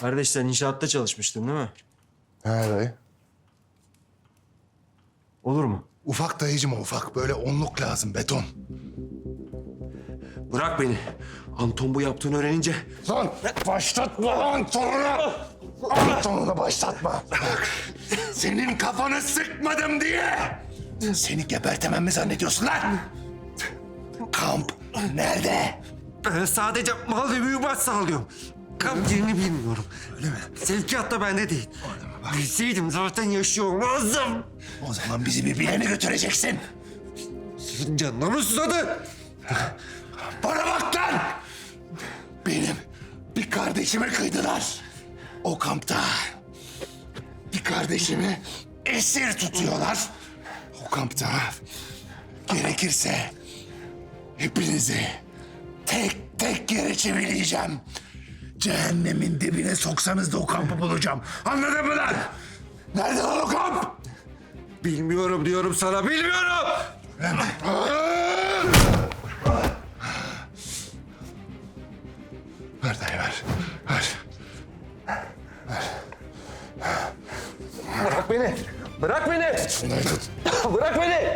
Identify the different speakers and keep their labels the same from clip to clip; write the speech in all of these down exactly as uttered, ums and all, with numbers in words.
Speaker 1: Kardeş sen inşaatta çalışmıştın değil mi?
Speaker 2: He dayı.
Speaker 1: Olur mu?
Speaker 2: Ufak dayıcım o ufak. Böyle onluk lazım beton.
Speaker 3: Bırak beni. Anton bu yaptığını öğrenince...
Speaker 2: Lan başlatma Anton'u! Anton'u başlatma. Bak senin kafanı sıkmadım diye. Seni gebertemem mi zannediyorsun lan? Kamp nerede?
Speaker 3: Ben sadece mal ve mühimmat sağlıyorum. Kamp yerini bilmiyorum.
Speaker 2: Öyle mi?
Speaker 3: Sevkiyat da bende değil. Bilseydim zaten yaşıyor olmazdım.
Speaker 2: O zaman bizi bir bilene götüreceksin.
Speaker 3: Sizin canına mı susadı?
Speaker 2: Bana bak lan! Benim bir kardeşime kıydılar. O kampta bir kardeşimi esir tutuyorlar. O kampta gerekirse hepinizi tek tek yere çevireceğim. Cehennemin dibine soksanız da o kampı bulacağım. Anladın mı lan? Nerede lan o kamp?
Speaker 3: Bilmiyorum diyorum sana, bilmiyorum!
Speaker 2: Ver dayı ver. Ver.
Speaker 3: Bırak beni! Bırak beni!
Speaker 2: Şunları tut.
Speaker 3: Bırak beni!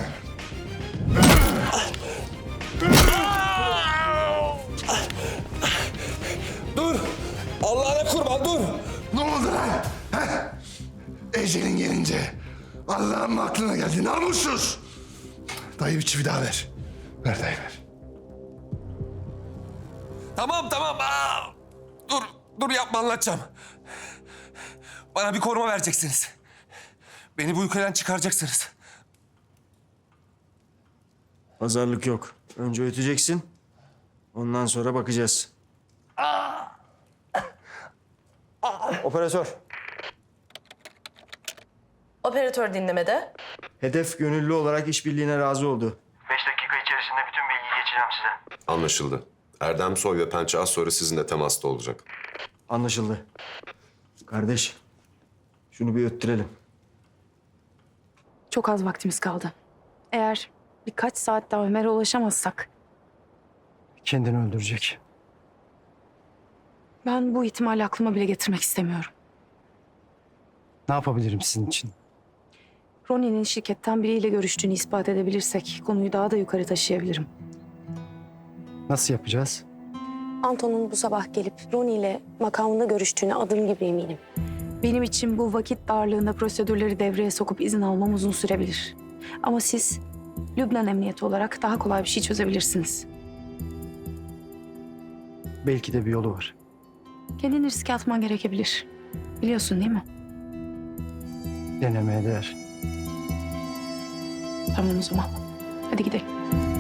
Speaker 3: Dur! Allah'ına kurban dur!
Speaker 2: Ne oldu lan? He? Ecelin gelince Allah'ın mı aklına geldi namussuz? Dayı bir çivi daha ver. Ver dayı ver.
Speaker 3: Tamam tamam. Aa! Dur, dur yapma anlatacağım. Bana bir koruma vereceksiniz. Beni bu ülkeden çıkaracaksınız.
Speaker 1: Pazarlık yok. Önce öteceksin. Ondan sonra bakacağız. Operatör.
Speaker 4: Operatör dinlemede.
Speaker 1: Hedef gönüllü olarak işbirliğine razı oldu.
Speaker 5: Beş dakika içerisinde bütün bilgiyi geçeceğim size.
Speaker 6: Anlaşıldı. Erdem Soy ve Pençe az sonra sizinle temasta olacak.
Speaker 1: Anlaşıldı. Kardeş, şunu bir öttürelim.
Speaker 7: Çok az vaktimiz kaldı. Eğer birkaç saat daha Ömer'e ulaşamazsak
Speaker 8: Kendini öldürecek.
Speaker 7: ben bu ihtimali aklıma bile getirmek istemiyorum.
Speaker 8: Ne yapabilirim sizin için?
Speaker 7: Ronnie'nin şirketten biriyle görüştüğünü ispat edebilirsek konuyu daha da yukarı taşıyabilirim.
Speaker 8: Nasıl yapacağız?
Speaker 7: Anton'un bu sabah gelip Ronnie ile makamında görüştüğüne adım gibi eminim. Benim için bu vakit darlığında prosedürleri devreye sokup izin almam uzun sürebilir. Ama siz Lübnan Emniyeti olarak daha kolay bir şey çözebilirsiniz.
Speaker 8: Belki de bir yolu var.
Speaker 7: Kendini riske atman gerekebilir. Biliyorsun değil mi?
Speaker 8: Denemeye değer.
Speaker 7: Tamam o zaman. Hadi gidelim.